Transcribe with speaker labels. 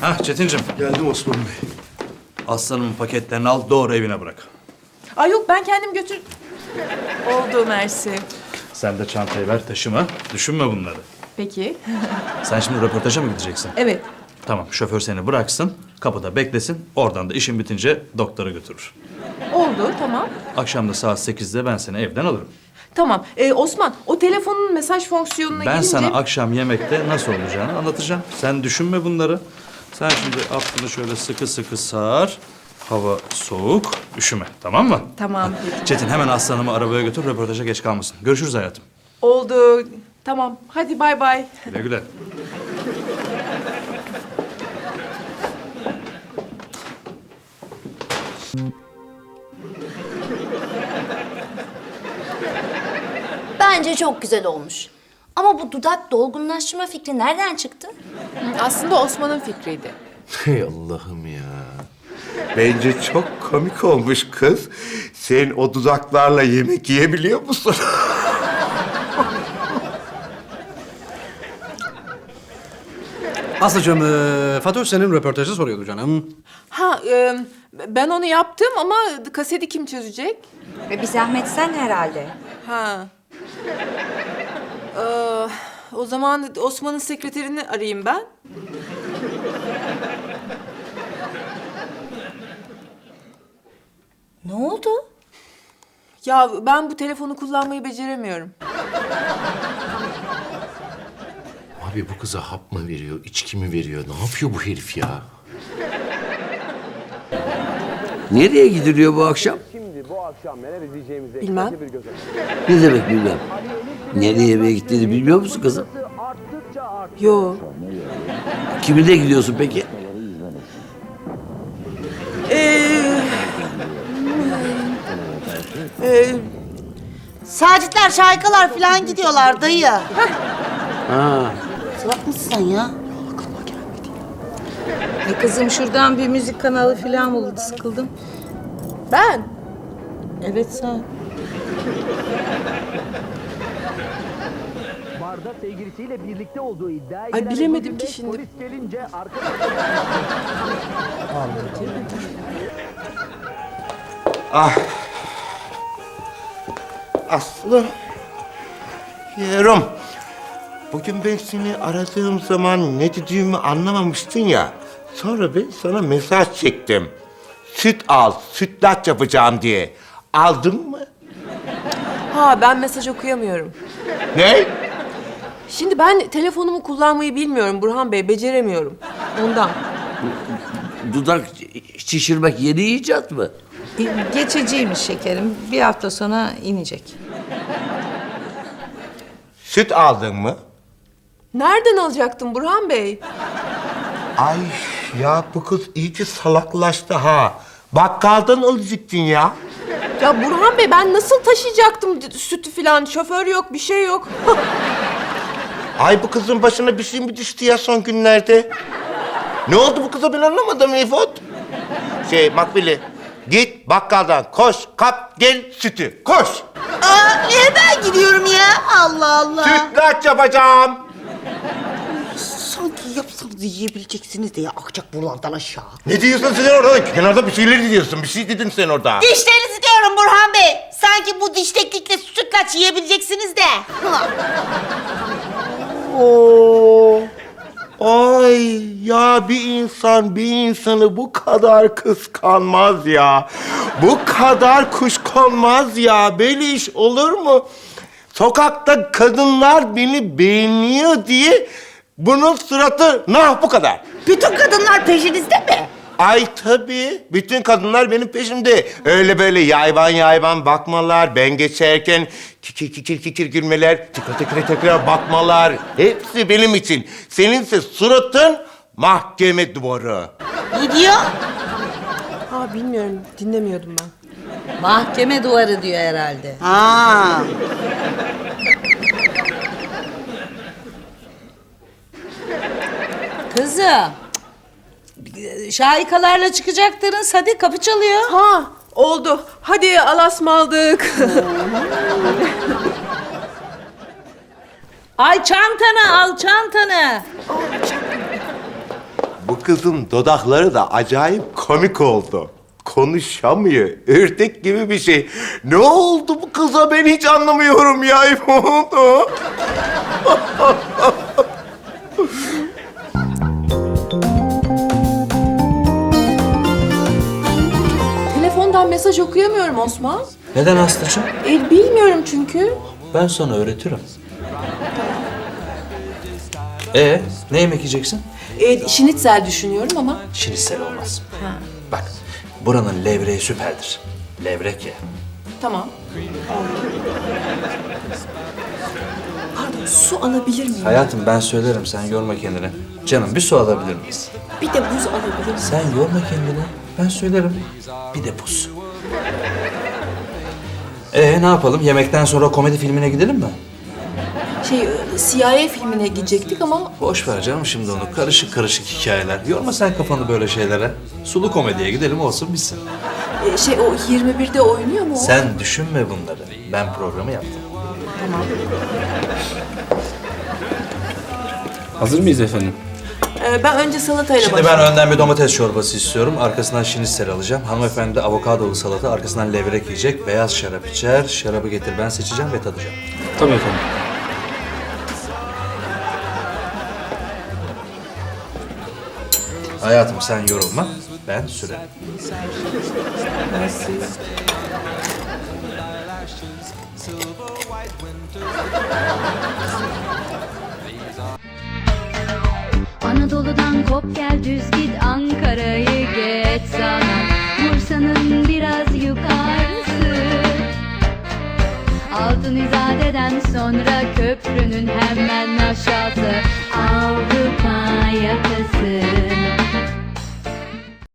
Speaker 1: Hah Çetincim.
Speaker 2: Geldim Osman Bey.
Speaker 1: Aslanımın paketlerini al, doğru evine bırak.
Speaker 3: Ay yok, ben kendim götür... Oldu Mersi.
Speaker 1: Sen de çantayı ver, taşıma. Düşünme bunları.
Speaker 3: Peki.
Speaker 1: Sen şimdi röportaja mı gideceksin?
Speaker 3: Evet.
Speaker 1: Tamam, şoför seni bıraksın, kapıda beklesin. Oradan da işin bitince doktora götürür.
Speaker 3: Oldu, tamam.
Speaker 1: Akşam da saat 8'de ben seni evden alırım.
Speaker 3: Tamam. Osman, o telefonun mesaj fonksiyonuna
Speaker 1: Ben
Speaker 3: girince...
Speaker 1: sana akşam yemekte nasıl olacağını anlatacağım. Sen düşünme bunları. Sen şimdi aklını şöyle sıkı sıkı sar. Hava soğuk, üşüme. Tamam mı?
Speaker 3: Tamam, peki.
Speaker 1: Çetin hemen aslanımı arabaya götür, röportaja geç kalmasın. Görüşürüz hayatım.
Speaker 3: Oldu. Tamam. Hadi bay bay.
Speaker 1: Güle güle.
Speaker 4: Bence çok güzel olmuş. Ama bu dudak dolgunlaştırma fikri nereden çıktı?
Speaker 3: Aslında Osman'ın fikriydi.
Speaker 2: Hey Allah'ım ya. Bence çok komik olmuş kız. Sen o dudaklarla yemek yiyebiliyor musun?
Speaker 5: Aslıcığım, Fatoş senin röportajı soruyordu canım.
Speaker 3: Ha, ben onu yaptım ama kaseti kim çözecek?
Speaker 6: Bir zahmet sen herhalde.
Speaker 3: Ha. O zaman Osman'ın sekreterini arayayım ben.
Speaker 4: Ne oldu?
Speaker 3: Ya ben bu telefonu kullanmayı beceremiyorum.
Speaker 7: Abi bu kıza hap mı veriyor, içki mi veriyor? Ne yapıyor bu herif ya?
Speaker 8: Nereye gidiliyor bu akşam?
Speaker 3: Bilmem.
Speaker 8: Ne demek bilmem. Nereye yemeğe gittiğini bilmiyor musun kızım?
Speaker 3: Yo.
Speaker 8: Kiminle gidiyorsun peki?
Speaker 9: Sacitler, şarkılar falan gidiyorlar dayı.
Speaker 8: Ha.
Speaker 9: Salak mısın sen ya?
Speaker 6: Kızım şuradan bir müzik kanalı falan buldu, sıkıldım.
Speaker 3: Ben?
Speaker 6: Evet sen.
Speaker 10: Barda sevgilisiyle birlikte olduğu iddia
Speaker 3: Ay bilemedim ki şimdi.
Speaker 10: polis gelince
Speaker 2: Aslı. Yerim. Bugün ben seni aradığım zaman ne dediğimi anlamamıştın ya. Sonra ben sana mesaj çektim. Süt al, sütlaç yapacağım diye. Aldın mı?
Speaker 3: Ha, ben mesaj okuyamıyorum.
Speaker 2: Ne?
Speaker 3: Şimdi ben telefonumu kullanmayı bilmiyorum Burhan Bey, beceremiyorum. Ondan.
Speaker 8: Dudak şişirmek yeni icat mı?
Speaker 6: Geçiciymiş şekerim. Bir hafta sonra inecek.
Speaker 2: Süt aldın mı?
Speaker 3: Nereden alacaktım Burhan Bey?
Speaker 2: Ay ya bu kız iyice salaklaştı ha. Bakkaldan alacaktın ya.
Speaker 3: Ya Burhan Bey, ben nasıl taşıyacaktım sütü falan? Şoför yok, bir şey yok.
Speaker 2: Ay bu kızın başına bir şey mi düştü ya son günlerde? Ne oldu bu kıza ben anlamadım İfot. Makbili, git bakkaldan koş, kap, gel sütü, koş.
Speaker 9: Aa, niye ben gidiyorum ya? Allah Allah.
Speaker 2: Sütlaç yapacağım.
Speaker 9: Sanki yapsanız yiyebileceksiniz de ya, akacak buralardan aşağı.
Speaker 2: Ne diyorsun sen orada? Kenarda bir şeyler diyorsun, bir şey dedin sen orada.
Speaker 9: Dişlerinizi diyorum Burhan Bey. Sanki bu diş teknikle sütlaç yiyebileceksiniz de.
Speaker 2: Oo. Ay ya bir insan bir insanı bu kadar kıskanmaz ya. Bu kadar kuşkonmaz ya. Böyle iş olur mu? Sokakta kadınlar beni beğeniyor diye bunun suratı bu kadar.
Speaker 9: Bütün kadınlar peşinizde mi?
Speaker 2: Ay tabii. Bütün kadınlar benim peşimde. Öyle böyle yayvan yayvan bakmalar, ben geçerken kikir kikir kikir gülmeler, tekrar bakmalar. Hepsi benim için. Seninse suratın mahkeme duvarı.
Speaker 9: Ne diyor?
Speaker 3: Ha, bilmiyorum, dinlemiyordum ben.
Speaker 6: Mahkeme duvarı diyor herhalde.
Speaker 9: Ha.
Speaker 6: Kızım. Şahikalarla çıkacaktınız. Hadi kapı çalıyor.
Speaker 3: Ha, oldu. Hadi alasmaldık.
Speaker 6: Ay çantanı al çantanı.
Speaker 2: bu kızın dudakları da acayip komik oldu. Konuşamıyor. Ördek gibi bir şey. Ne oldu bu kıza ben hiç anlamıyorum ya. Ne oldu?
Speaker 3: Telefondan mesaj okuyamıyorum Osman.
Speaker 1: Neden Aslı'cığım?
Speaker 3: Bilmiyorum çünkü.
Speaker 1: Ben sana öğretirim. Ne yemek yiyeceksin?
Speaker 3: Şinitzel düşünüyorum ama.
Speaker 1: Şinitsel olmaz. Bak, buranın levreği süperdir. Levrek ye.
Speaker 3: Tamam. Pardon, su alabilir miyim?
Speaker 1: Hayatım ben söylerim, sen yorma kendini. Canım bir su alabilir miyiz?
Speaker 3: Bir de buz alabilir miyim?
Speaker 1: Sen yorma kendini, ben söylerim. Bir de buz. Ne yapalım? Yemekten sonra komedi filmine gidelim mi?
Speaker 3: CIA filmine gidecektik ama
Speaker 1: Boş ver canım şimdi onu. Karışık karışık hikayeler. Yorma sen kafanı böyle şeylere. Sulu komediye gidelim olsun bitsin.
Speaker 3: o 21'de oynuyor mu o?
Speaker 1: Sen düşünme bunları. Ben programı yaptım.
Speaker 5: Hazır mıyız efendim?
Speaker 3: Ben önce salatayla
Speaker 1: Şimdi
Speaker 3: başlayayım.
Speaker 1: ben önden bir domates çorbası istiyorum. Arkasından şinitsel alacağım. Hanımefendi de avokadolu salata. Arkasından levrek yiyecek. Beyaz şarap içer. Şarabı getir ben seçeceğim ve tadacağım.
Speaker 5: Tabii efendim.
Speaker 1: Hayatım sen yorulma. Ben sürerim.
Speaker 11: Anadolu'dan kop gel düz git Ankara'yı geç sana Bursa'nın biraz yukarısı Altın İzade'den sonra köprünün hemen aşağısı